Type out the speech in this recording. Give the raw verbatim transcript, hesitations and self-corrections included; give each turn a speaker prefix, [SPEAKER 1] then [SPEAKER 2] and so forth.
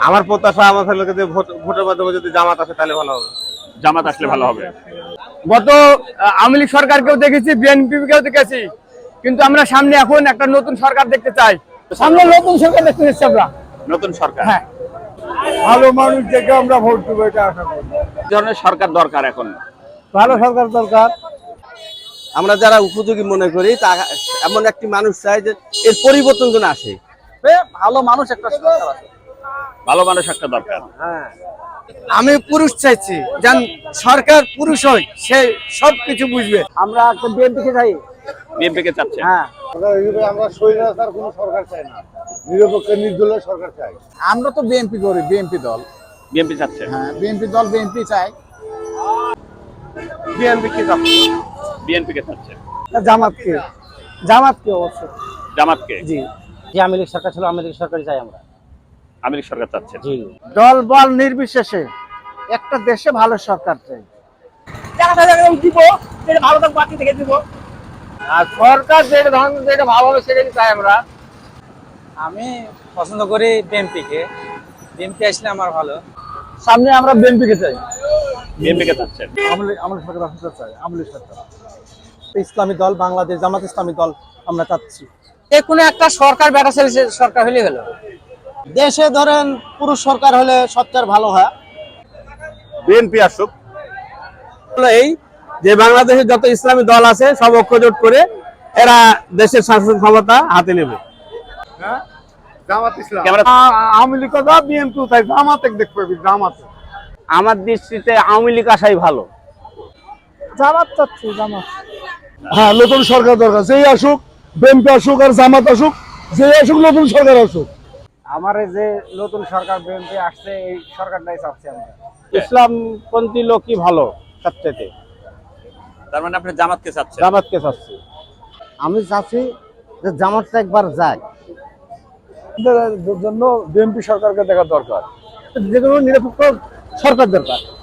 [SPEAKER 1] আমার প্রত্যাশা আমাদের লোকে যে ভোট ভোটের মাধ্যমে যদি জামাত আসে তাহলে ভালো হবে।
[SPEAKER 2] জামাত আসলে ভালো হবে।
[SPEAKER 3] গত আওয়ামী লীগ সরকারকেও দেখেছি, বিএনপিকেও দেখেছি, কিন্তু আমরা সামনে এখন একটা নতুন সরকার দেখতে চাই। সামনে নতুন সরকার দেখতে চাচ্ছি আমরা।
[SPEAKER 2] নতুন সরকার,
[SPEAKER 3] হ্যাঁ,
[SPEAKER 4] ভালো মানুষ দেখে আমরা ভোট দেবো, এটা আশা করি।
[SPEAKER 2] কি ধরনের সরকার দরকার এখন?
[SPEAKER 4] ভালো সরকার দরকার।
[SPEAKER 1] আমরা যারা উপযোগী মনে করি তা এমন একটি মানুষ চাই যে এর পরিবর্তন যেন আসে।
[SPEAKER 3] ভালো মানুষ একটা সরকার আছে।
[SPEAKER 2] ভালো মানুষ একটা দরকার।
[SPEAKER 3] আমি পুরুষ চাইছি, যেন সরকার পুরুষ হয়, সে সবকিছু বুঝবে। আমরা একটা বিএনপিকে চাই।
[SPEAKER 2] বিএনপি কে চাচ্ছে?
[SPEAKER 3] হ্যাঁ,
[SPEAKER 4] আমরা স্বৈরাচার কোনো সরকার চাই না, নিরপেক্ষ নির্দলীয় সরকার চাই।
[SPEAKER 3] আমরা তো বিএনপি করি, বিএনপি দল।
[SPEAKER 2] বিএনপি চাচ্ছে।
[SPEAKER 3] হ্যাঁ, বিএনপি দল, বিএনপি চাই।
[SPEAKER 1] বিএনপি কি চাচ্ছে?
[SPEAKER 2] বিএনপি কে চাচ্ছে।
[SPEAKER 3] জামাতকে, জামাতকে অবশ্য।
[SPEAKER 2] জামাতকে?
[SPEAKER 3] জি, যে আওয়ামী লীগ সরকার ছিল, আওয়ামী লীগ সরকারই চাই আমরা।
[SPEAKER 2] আওয়ামী লীগ সরকার চাচ্ছে।
[SPEAKER 3] জি, দল বল নির্বিশেষে একটা দেশে ভালো সরকার চাই। দিব, যেটা ভালো থাকবে বাকি থেকে দিব। আর সরকার যেটা ধরনের যেটা ভালো হবে সেটাই চাই আমরা।
[SPEAKER 5] আমি পছন্দ করি বিএনপি কে। বিএনপি আসলে আমার ভালো।
[SPEAKER 3] সামনে আমরা বিএনপিকে চাই।
[SPEAKER 2] বিএনপি কে চাচ্ছেন?
[SPEAKER 3] আমাদের সরকার আসতে চাই, আওয়ামী সরকার। ইসলামী দল, বাংলাদেশ জামাত ইসলামী দল আমরা চাচ্ছি।
[SPEAKER 5] যে কোনো একটা সরকার বেটা ছেলে সরকার হলে হলো।
[SPEAKER 3] দেশে ধরেন পুরুষ সরকার হলে সবচেয়ে ভালো হয়।
[SPEAKER 1] বিএনপি আসুক। এই যে বাংলাদেশের যত ইসলামী দল আছে সব ঐক্যজোট করে এরা দেশের শাসন ক্ষমতা হাতে নেবে।
[SPEAKER 4] জামাত ইসলাম,
[SPEAKER 2] ক্যামেরা।
[SPEAKER 4] আওয়ামী লীগ কথা, বিএনপি তাই জামাতে দেখতে পাবি, জামাতে।
[SPEAKER 1] আমার দৃষ্টিতে আওয়ামী লীগ আসাই ভালো।
[SPEAKER 3] জামাত চাচ্ছি, জামাত।
[SPEAKER 4] হ্যাঁ, নতুন সরকার দরকার। যেই আসুক, বিএনপি আসুক আর জামাত আসুক, যেই আসুক নতুন সরকার আসুক।
[SPEAKER 3] আমার যে নতুন সরকার বিএনপি আসছে, এই সরকারটাই চাচ্ছি আমরা।
[SPEAKER 1] ইসলামপন্থী লোকই ভালো সবচেয়ে।
[SPEAKER 2] তার মানে আপনি জামাতকে চাচ্ছেন?
[SPEAKER 1] জামাতকে চাচ্ছি।
[SPEAKER 3] আমি চাচ্ছি যে জামাতটা একবার যায়।
[SPEAKER 4] জন্য বিএনপি সরকারকে দেখা দরকার।
[SPEAKER 3] যে কোনো নিরপেক্ষ সরকার দরকার।